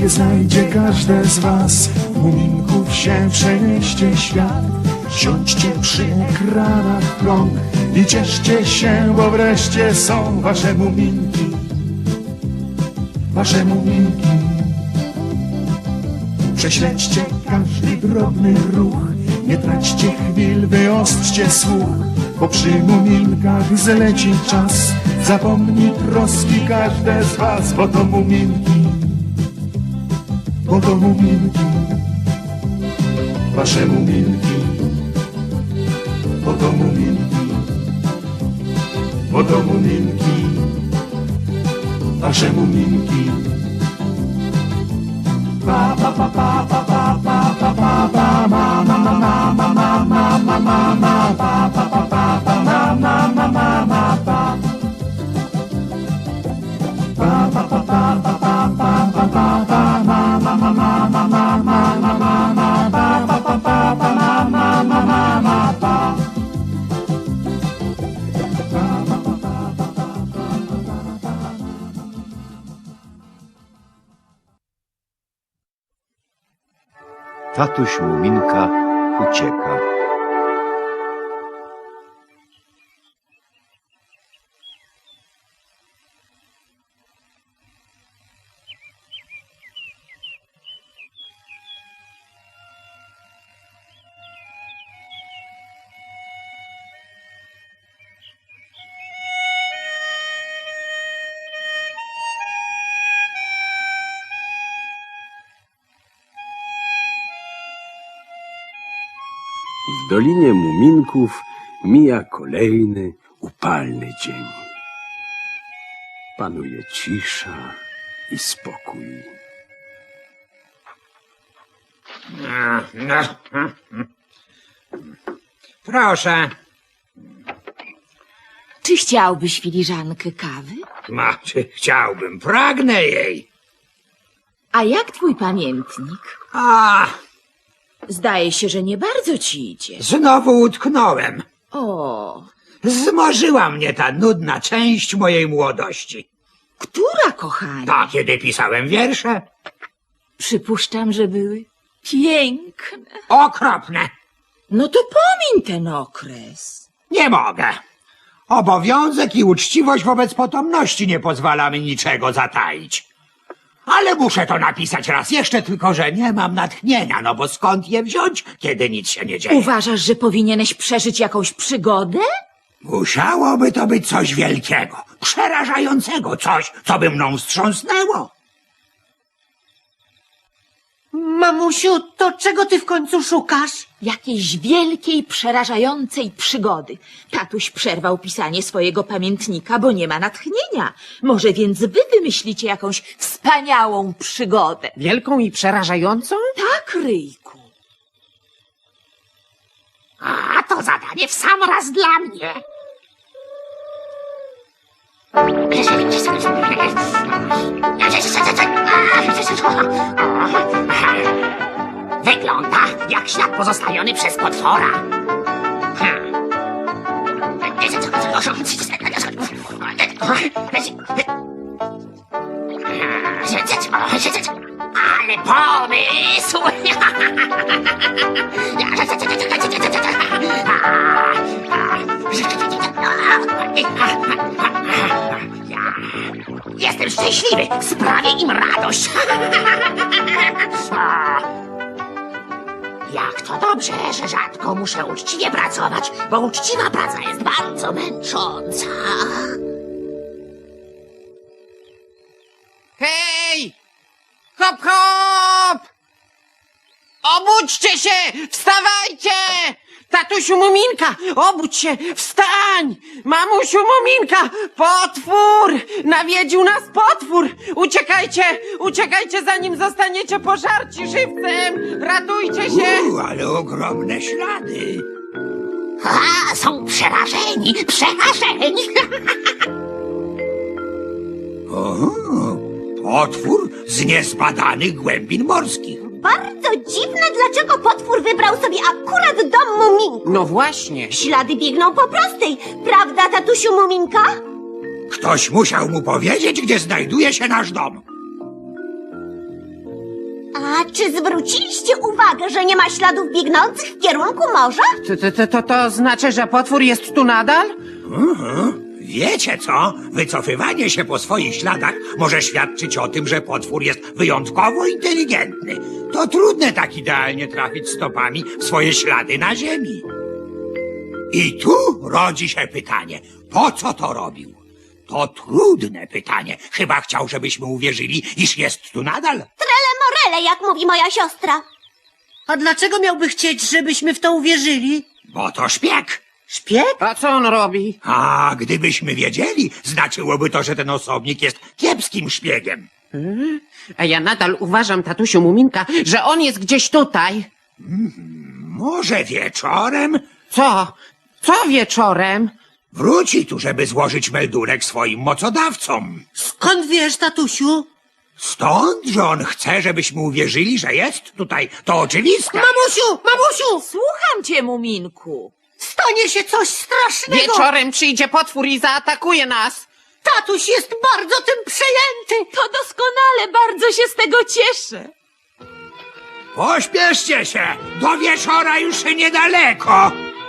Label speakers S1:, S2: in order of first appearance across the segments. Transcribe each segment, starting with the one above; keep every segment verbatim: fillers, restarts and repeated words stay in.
S1: nie znajdzie każde z was. Muminków się przenieście świat. Siądźcie przy ekranach krąg i cieszcie się, bo wreszcie są wasze muminki. Wasze muminki. Prześledźcie każdy drobny ruch, nie traćcie chwil, wyostrzcie słuch, bo przy muminkach zleci czas. Zapomni troski każde z was, bo to muminki, bo to muminki, wasze muminki, bo to muminki, bo to muminki, wasze muminki. Pa pa pa pa pa pa pa pa pa pa ma ma ma ma ma ma ma ma ma ma pa pa pa pa pa ma ma ma ma ma pa pa pa pa pa pa pa pa pa pa pa ma ma ma ma ma ma ma ma ma ma pa pa pa pa pa ma ma ma ma ma pa.
S2: Tatuś Muminka ucieka. W Dolinie Muminków mija kolejny upalny dzień. Panuje cisza i spokój.
S3: Proszę.
S4: Czy chciałbyś filiżankę kawy?
S3: Ma, czy chciałbym, pragnę jej.
S4: A jak twój pamiętnik?
S3: A,
S4: Zdaje się, że nie bardzo ci idzie.
S3: znowu utknąłem.
S4: O,
S3: Zmorzyła mnie ta nudna część mojej młodości.
S4: która, kochanie?
S3: Ta, kiedy pisałem wiersze.
S4: Przypuszczam, że były piękne.
S3: Okropne.
S4: No to pomiń ten okres.
S3: Nie mogę. Obowiązek i uczciwość wobec potomności nie pozwala mi niczego zataić. Ale muszę to napisać raz jeszcze, tylko że nie mam natchnienia, no bo skąd je wziąć, kiedy nic się nie dzieje?
S4: Uważasz, że powinieneś przeżyć jakąś przygodę?
S3: Musiałoby to być coś wielkiego, przerażającego, coś, co by mną wstrząsnęło.
S5: Mamusiu, to czego ty w końcu szukasz?
S4: Jakiejś wielkiej, przerażającej przygody. Tatuś przerwał pisanie swojego pamiętnika, bo nie ma natchnienia. Może więc wy wymyślicie jakąś wspaniałą przygodę.
S5: Wielką i przerażającą?
S4: Tak, Ryjku.
S3: A to zadanie w sam raz dla mnie. Wygląda jak ślad pozostawiony przez potwora. Ale pomysł! Jestem szczęśliwy, sprawię im radość. Jak to dobrze, że rzadko muszę uczciwie pracować, bo uczciwa praca jest bardzo męcząca.
S5: Hej! Hop, hop! Obudźcie się! Wstawajcie! Tatusiu Muminka! Obudź się! Wstań! Mamusiu Muminka! Potwór! Nawiedził nas potwór! Uciekajcie! Uciekajcie, zanim zostaniecie pożarci żywcem! Ratujcie się!
S3: U, ale ogromne ślady. A, są przerażeni, przerażeni. O, potwór z niezbadanych głębin morskich.
S6: Bardzo dziwne, dlaczego potwór wybrał sobie akurat dom Muminków.
S5: No właśnie.
S6: Ślady biegną po prostej, prawda, tatusiu Muminka?
S3: Ktoś musiał mu powiedzieć, gdzie znajduje się nasz dom.
S6: A czy zwróciliście uwagę, że nie ma śladów biegnących w kierunku morza?
S5: To, to, to, to, to znaczy, że potwór jest tu nadal?
S3: Wiecie co? Wycofywanie się po swoich śladach może świadczyć o tym, że potwór jest wyjątkowo inteligentny. To trudne tak idealnie trafić stopami w swoje ślady na ziemi. I tu rodzi się pytanie, po co to robił? To trudne pytanie. Chyba chciał, żebyśmy uwierzyli, iż jest tu nadal.
S6: Trele morele, jak mówi moja siostra.
S5: A dlaczego miałby chcieć, żebyśmy w to uwierzyli?
S3: Bo to szpieg.
S5: Szpieg? A co on robi?
S3: A gdybyśmy wiedzieli, znaczyłoby to, że ten osobnik jest kiepskim szpiegiem.
S5: A ja nadal uważam, tatusiu Muminka, że on jest gdzieś tutaj.
S3: Może wieczorem
S5: Co? Co wieczorem?
S3: wróci tu, żeby złożyć meldunek swoim mocodawcom.
S5: Skąd wiesz, tatusiu?
S3: Stąd, że on chce, żebyśmy uwierzyli, że jest tutaj. To oczywiste.
S5: Mamusiu, mamusiu!
S4: Słucham cię, Muminku.
S5: Stanie się coś strasznego! Wieczorem przyjdzie potwór i zaatakuje nas. Tatuś jest bardzo tym przejęty.
S4: To doskonale, bardzo się z tego cieszę.
S3: Pośpieszcie się! Do wieczora już niedaleko!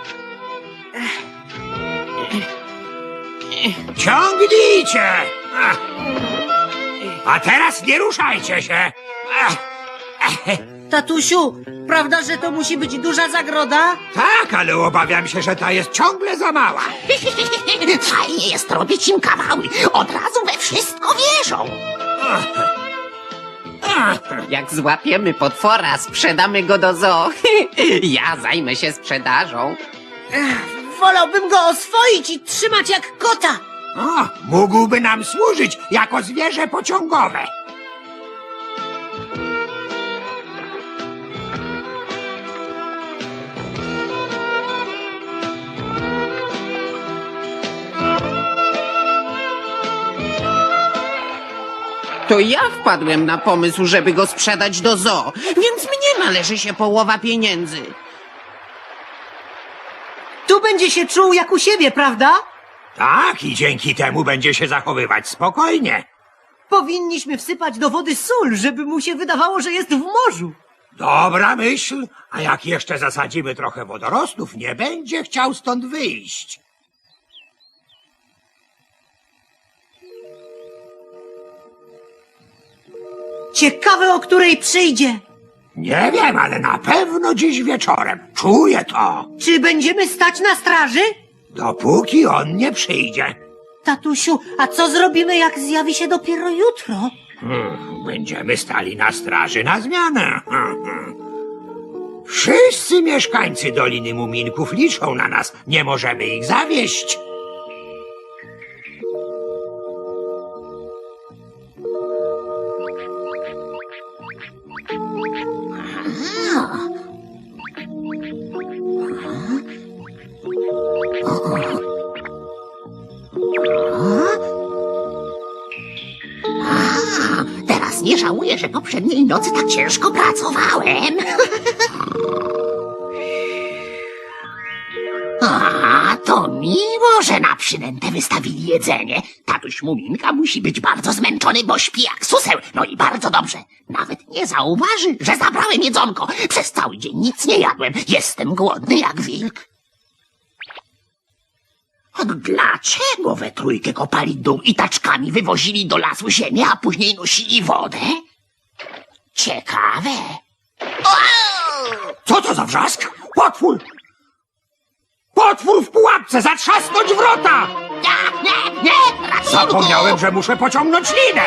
S3: Ciągnijcie! Ach. A teraz nie ruszajcie się! Ach.
S5: Tatusiu, prawda, że to musi być duża zagroda?
S3: Tak, ale obawiam się, że ta jest ciągle za mała.
S7: Fajnie jest robić im kawały. Od razu we wszystko wierzą.
S5: Jak złapiemy potwora, sprzedamy go do zoo. Ja zajmę się sprzedażą. Wolałbym go oswoić i trzymać jak kota.
S3: O, mógłby nam służyć jako zwierzę pociągowe.
S5: To ja wpadłem na pomysł, żeby go sprzedać do zoo, więc mnie należy się połowa pieniędzy. Tu będzie się czuł jak u siebie, prawda?
S3: Tak, i dzięki temu będzie się zachowywać spokojnie.
S5: Powinniśmy wsypać do wody sól, żeby mu się wydawało, że jest w morzu.
S3: Dobra myśl, a jak jeszcze zasadzimy trochę wodorostów, nie będzie chciał stąd wyjść.
S5: Ciekawe, o której przyjdzie.
S3: Nie wiem, ale na pewno dziś wieczorem. Czuję to.
S5: Czy będziemy stać na straży?
S3: Dopóki on nie przyjdzie.
S5: Tatusiu, a co zrobimy, jak zjawi się dopiero jutro?
S3: Hmm, będziemy stali na straży na zmianę. Hmm, hmm. Wszyscy mieszkańcy Doliny Muminków liczą na nas. Nie możemy ich zawieść.
S7: Teraz nie żałuję, że poprzedniej nocy tak ciężko pracowałem. A, to miło, że na przynętę wystawili jedzenie. Tatuś Muminka musi być bardzo zmęczony, bo śpi jak suseł. No i bardzo dobrze. Nawet nie zauważy, że zabrałem jedzonko. Przez cały dzień nic nie jadłem. Jestem głodny jak wilk. A dlaczego we trójkę kopali dół i taczkami wywozili do lasu ziemię, a później nosili wodę? Ciekawe.
S3: Co to za wrzask? Potwór! Potwór w pułapce! Zatrzasnąć wrota!
S7: Nie, nie, nie! Ratunku!
S3: Zapomniałem, że muszę pociągnąć linę!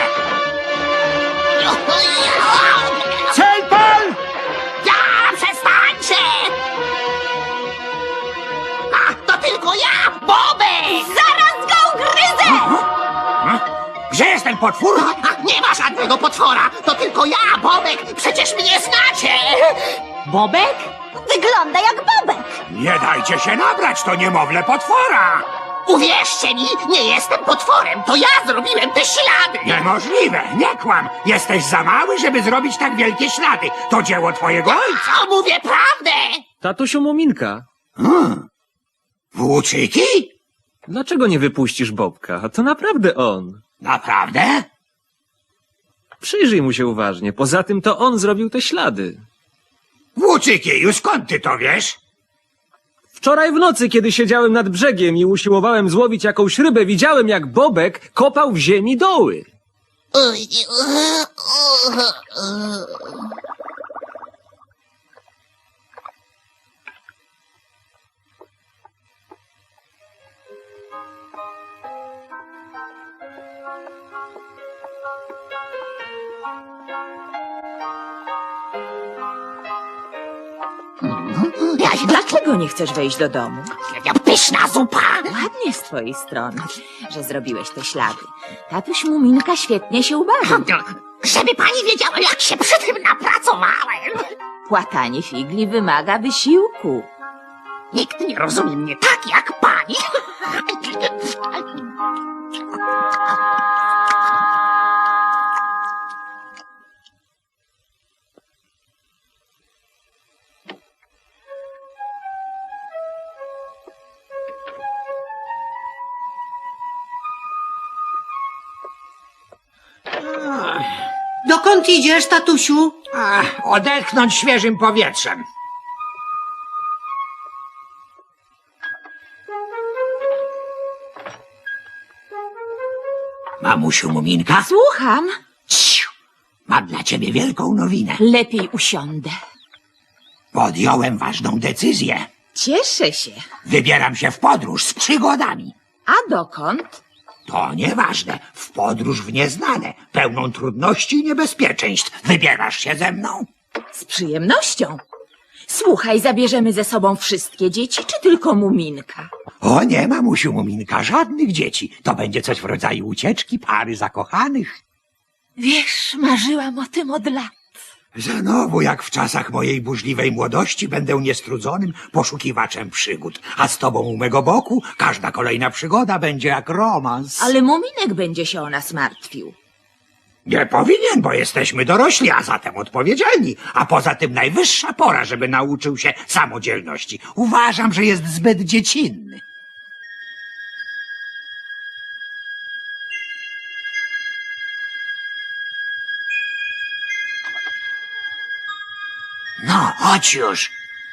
S3: Cel pal!
S7: Ja, przestańcie! A, to tylko ja, Bobek!
S6: Zaraz go ugryzę!
S3: Gdzie jest ten potwór?
S7: A, nie ma żadnego potwora, to tylko ja, Bobek! Przecież mnie znacie!
S5: Bobek?
S6: Wygląda jak bobek.
S3: Nie dajcie się nabrać, to niemowlę potwora!
S7: Uwierzcie mi, nie jestem potworem, to ja zrobiłem te ślady!
S3: Niemożliwe, nie kłam! Jesteś za mały, żeby zrobić tak wielkie ślady. To dzieło twojego ojca.
S7: A mówię prawdę!
S8: Tatusiu Muminka,
S3: Włóczyki?
S8: dlaczego nie wypuścisz Bobka? To naprawdę on.
S3: Naprawdę?
S8: Przyjrzyj mu się uważnie. Poza tym to on zrobił te ślady.
S3: Włóczykieju, skąd ty to wiesz?
S8: Wczoraj w nocy, kiedy siedziałem nad brzegiem i usiłowałem złowić jakąś rybę, widziałem, jak Bobek kopał w ziemi doły.
S7: Ja się
S4: Dlaczego nie chcesz wejść do domu?
S7: Pyszna zupa!
S4: Ładnie z twojej strony, że zrobiłeś te ślady. Tatuś Muminka świetnie się ubawił.
S7: Żeby pani wiedziała, jak się przy tym napracowałem.
S4: Płatanie figli wymaga wysiłku.
S7: Nikt nie rozumie mnie tak jak pani.
S9: Dokąd idziesz, tatusiu?
S3: Ach, odetchnąć świeżym powietrzem. Mamusiu Muminka,
S4: Słucham.
S3: ciu, mam dla ciebie wielką nowinę.
S4: Lepiej usiądę.
S3: Podjąłem ważną decyzję.
S4: Cieszę się.
S3: Wybieram się w podróż z przygodami.
S4: A dokąd?
S3: To nieważne. W podróż w nieznane, pełną trudności i niebezpieczeństw. Wybierasz się ze mną?
S4: Z przyjemnością. Słuchaj, zabierzemy ze sobą wszystkie dzieci, czy tylko Muminka?
S3: O nie, mamusiu Muminka, żadnych dzieci. To będzie coś w rodzaju ucieczki pary zakochanych.
S4: Wiesz, marzyłam o tym od lat.
S3: Znowu, jak w czasach mojej burzliwej młodości, będę niestrudzonym poszukiwaczem przygód. A z tobą u mego boku każda kolejna przygoda będzie jak romans.
S4: Ale Muminek będzie się o nas martwił.
S3: Nie powinien, bo jesteśmy dorośli, a zatem odpowiedzialni. A poza tym najwyższa pora, żeby nauczył się samodzielności. Uważam, że jest zbyt dziecinny. No, chodź już.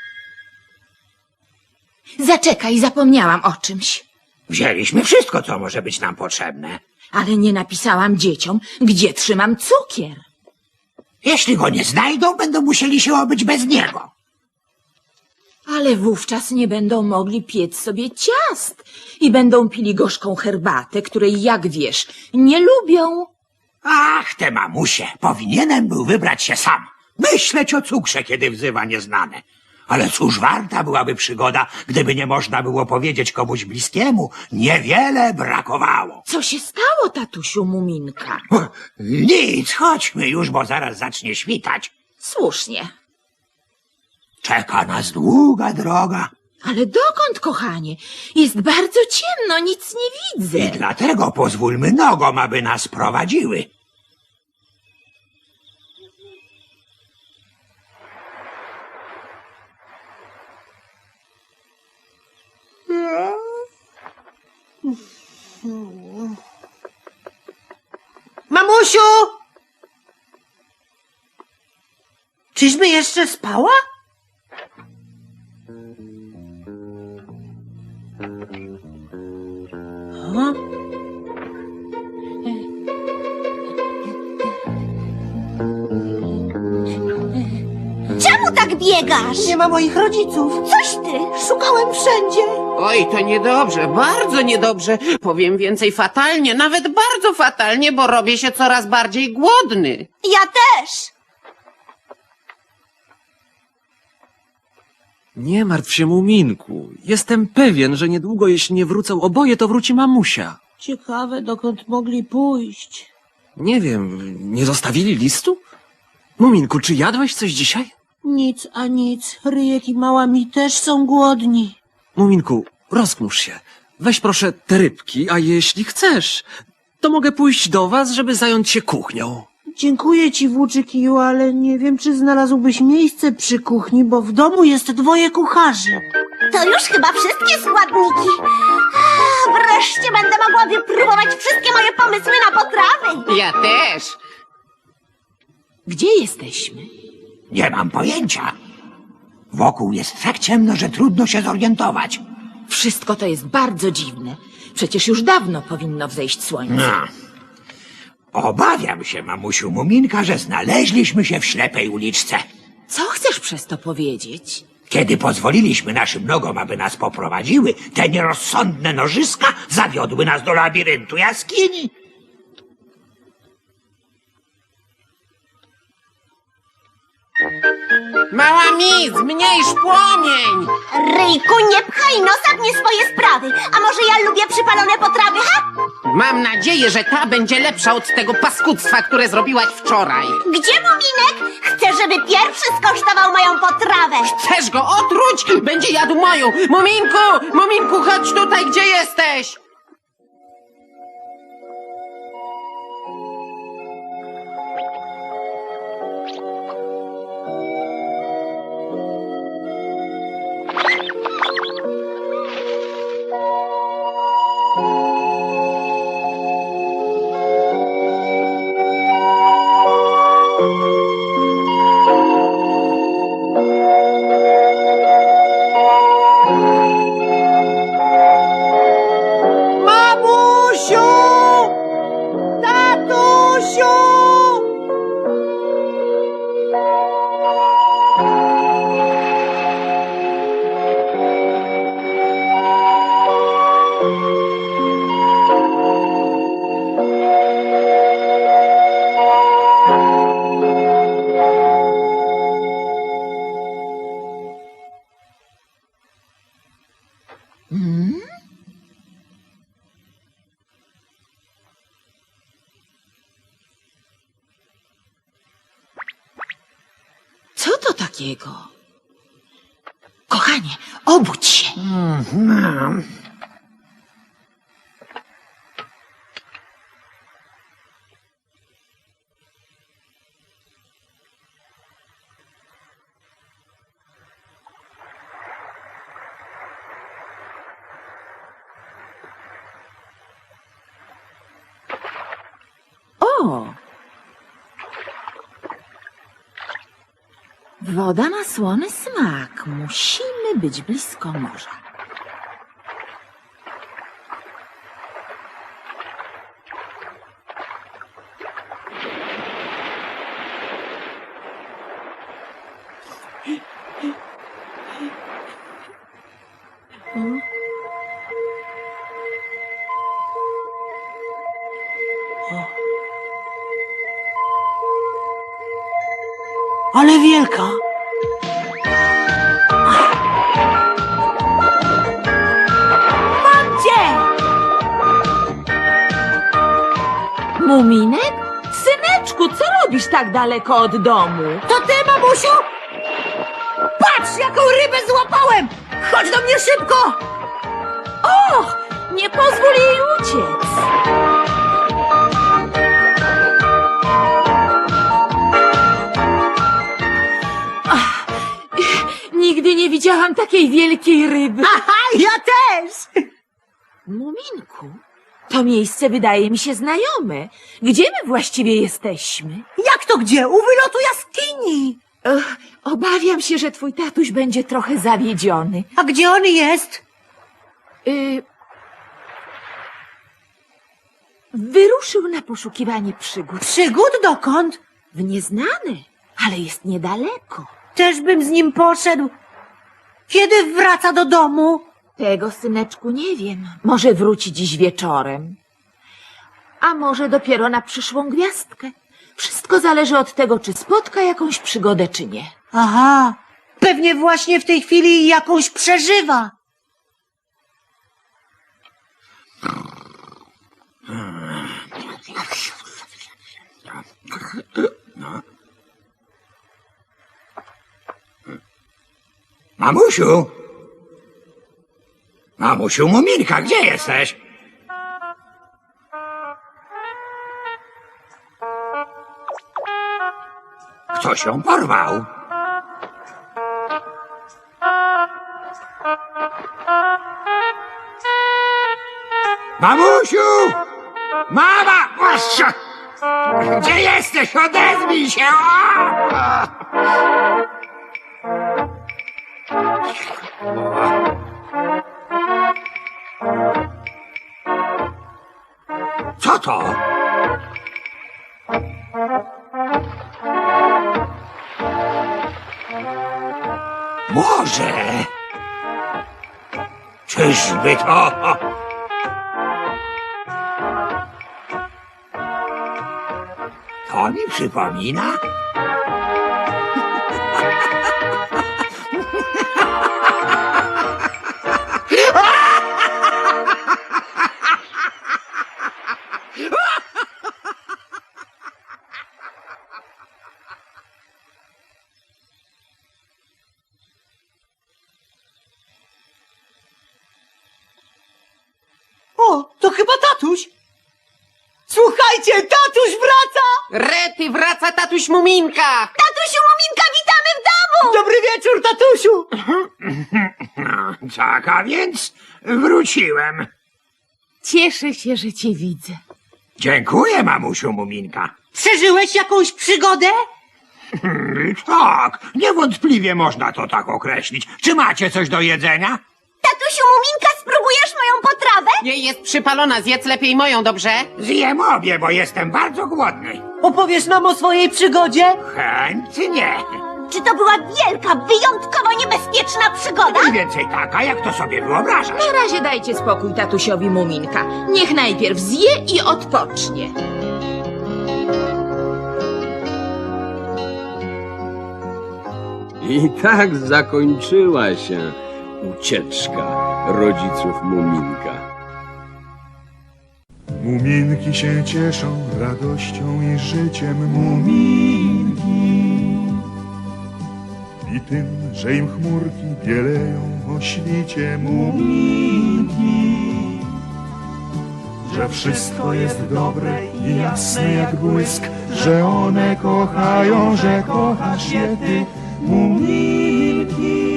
S4: Zaczekaj, zapomniałam o czymś.
S3: Wzięliśmy wszystko, co może być nam potrzebne.
S4: Ale nie napisałam dzieciom, gdzie trzymam cukier.
S3: Jeśli go nie znajdą, będą musieli się obyć bez niego.
S4: Ale wówczas nie będą mogli piec sobie ciast i będą pili gorzką herbatę, której, jak wiesz, nie lubią.
S3: Ach, te mamusie, powinienem był wybrać się sam. Myśleć o cukrze, kiedy wzywa nieznane. Ale cóż warta byłaby przygoda, gdyby nie można było powiedzieć komuś bliskiemu. Niewiele brakowało.
S4: Co się stało, tatusiu Muminka?
S3: O, nic, chodźmy już, bo zaraz zacznie świtać.
S4: Słusznie.
S3: Czeka nas długa droga.
S4: Ale dokąd, kochanie? Jest bardzo ciemno, nic nie
S3: I
S4: widzę.
S3: dlatego pozwólmy nogom, aby nas prowadziły.
S9: Mamusiu! Czyżby jeszcze spała? O?
S6: Czemu tak biegasz?
S9: Nie ma moich rodziców.
S6: Coś ty!
S9: Szukałem wszędzie.
S5: Oj, to niedobrze, bardzo niedobrze. Powiem więcej, fatalnie, nawet bardzo fatalnie, bo robię się coraz bardziej głodny.
S6: Ja też!
S8: Nie martw się, Muminku. Jestem pewien, że niedługo, jeśli nie wrócą oboje, to wróci mamusia.
S9: Ciekawe, dokąd mogli pójść.
S8: Nie wiem, nie zostawili listu? Muminku, czy jadłeś coś dzisiaj?
S9: Nic a nic. Ryjek i mała mi też są głodni.
S8: Muminku, rozknóż się. Weź proszę te rybki, a jeśli chcesz, to mogę pójść do was, żeby zająć się kuchnią.
S9: Dziękuję ci, włóczykiju, ale nie wiem, czy znalazłbyś miejsce przy kuchni, bo w domu jest dwoje kucharzy.
S6: To już chyba wszystkie składniki. Ah, wreszcie będę mogła wypróbować wszystkie moje pomysły na potrawy.
S5: Ja też.
S4: Gdzie jesteśmy?
S3: Nie mam pojęcia. Wokół jest tak ciemno, że trudno się zorientować.
S4: Wszystko to jest bardzo dziwne. Przecież już dawno powinno wzejść słońce.
S3: No. Obawiam się, mamusiu Muminka, że znaleźliśmy się w ślepej uliczce.
S4: Co chcesz przez to powiedzieć?
S3: Kiedy pozwoliliśmy naszym nogom, aby nas poprowadziły, te nierozsądne nożyska zawiodły nas do labiryntu jaskini.
S5: Mała mi, zmniejsz płomień!
S6: Ryjku, nie pchaj nosa w nie swoje sprawy. A może ja lubię przypalone potrawy, ha?
S5: Mam nadzieję, że ta będzie lepsza od tego paskudztwa, które zrobiłaś wczoraj.
S6: Gdzie Muminek? Chcę, żeby pierwszy skosztował moją potrawę.
S5: Chcesz go otruć? Będzie jadł moją! Muminku! Muminku, chodź tutaj, gdzie jesteś!
S9: Mamusiu! Tatusiu!
S4: Co to takiego? Kochanie, obudź się. O! Woda ma słony smak. Musimy być blisko morza.
S9: Ale wielka. Mam cię!
S4: Muminek? Syneczku, co robisz tak daleko od domu?
S9: To ty, mamusiu? Patrz, jaką rybę złapałem! Chodź do mnie szybko!
S4: Och, nie pozwól jej uciec. Ach, nigdy nie widziałam takiej wielkiej ryby.
S9: Aha, ja też!
S4: Muminku, to miejsce wydaje mi się znajome. Gdzie my właściwie jesteśmy?
S9: Jak to gdzie? U wylotu jaskini!
S4: Ech, obawiam się, że twój tatuś będzie trochę zawiedziony.
S9: A gdzie on jest?
S4: Y... Wyruszył na poszukiwanie przygód.
S9: Przygód dokąd?
S4: W nieznane, ale jest niedaleko.
S9: Też bym z nim poszedł. Kiedy wraca do domu?
S4: Tego, syneczku, nie wiem. Może wróci dziś wieczorem. A może dopiero na przyszłą gwiazdkę. Wszystko zależy od tego, czy spotka jakąś przygodę, czy nie.
S9: Aha, pewnie właśnie w tej chwili jakąś przeżywa.
S3: Mamusiu! Mamusiu Muminka, gdzie jesteś? Ktoś ją porwał. Mamusiu! Mama! Ościa! Gdzie jesteś? Odezwij się! O! Co to? Może? Czyżby to? To mi przypomina?
S9: O, to chyba tatuś. Słuchajcie, tatuś wraca!
S5: Rety, wraca tatuś Muminka!
S6: Tatusiu Muminka, witamy w domu!
S9: Dobry wieczór, tatusiu!
S3: Tak, a więc wróciłem.
S4: Cieszę się, że cię widzę.
S3: Dziękuję, mamusiu Muminka.
S9: Przeżyłeś jakąś przygodę?
S3: Hmm, tak, niewątpliwie można to tak określić. Czy macie coś do jedzenia?
S6: Tatusiu Muminka, spróbujesz moją potrawę?
S5: Nie jest przypalona, zjedz lepiej moją, dobrze?
S3: Zjem obie, bo jestem bardzo głodny.
S9: Opowiesz nam o swojej przygodzie?
S3: Chętnie.
S6: Czy to była wielka, wyjątkowo niebezpieczna przygoda?
S3: Mniej więcej taka, jak to sobie wyobrażasz.
S4: Na razie dajcie spokój tatusiowi Muminka. Niech najpierw zje i odpocznie.
S2: I tak zakończyła się ucieczka rodziców Muminka.
S1: Muminki się cieszą radością i życiem. Muminki i tym, że im chmurki bieleją o świcie. Muminki, że wszystko jest dobre i jasne jak błysk, że one kochają, że kochasz je ty. Muminki,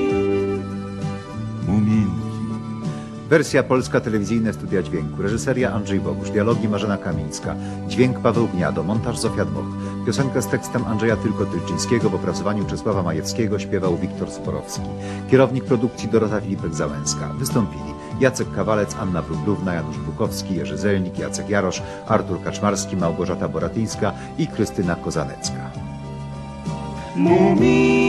S1: muminki.
S10: Wersja polska, telewizyjne studia dźwięku. Reżyseria Andrzej Bogusz. Dialogi Marzena Kamińska. Dźwięk Paweł Gniado. Montaż Zofia Dmoch. Piosenkę z tekstem Andrzeja Tylko-Tylczyńskiego w opracowaniu Czesława Majewskiego śpiewał Wiktor Sporowski. Kierownik produkcji Dorota Filipek-Załęska. Wystąpili Jacek Kawalec, Anna Wróblówna, Janusz Bukowski, Jerzy Zelnik, Jacek Jarosz, Artur Kaczmarski, Małgorzata Boratyńska i Krystyna Kozanecka.
S1: Muminki.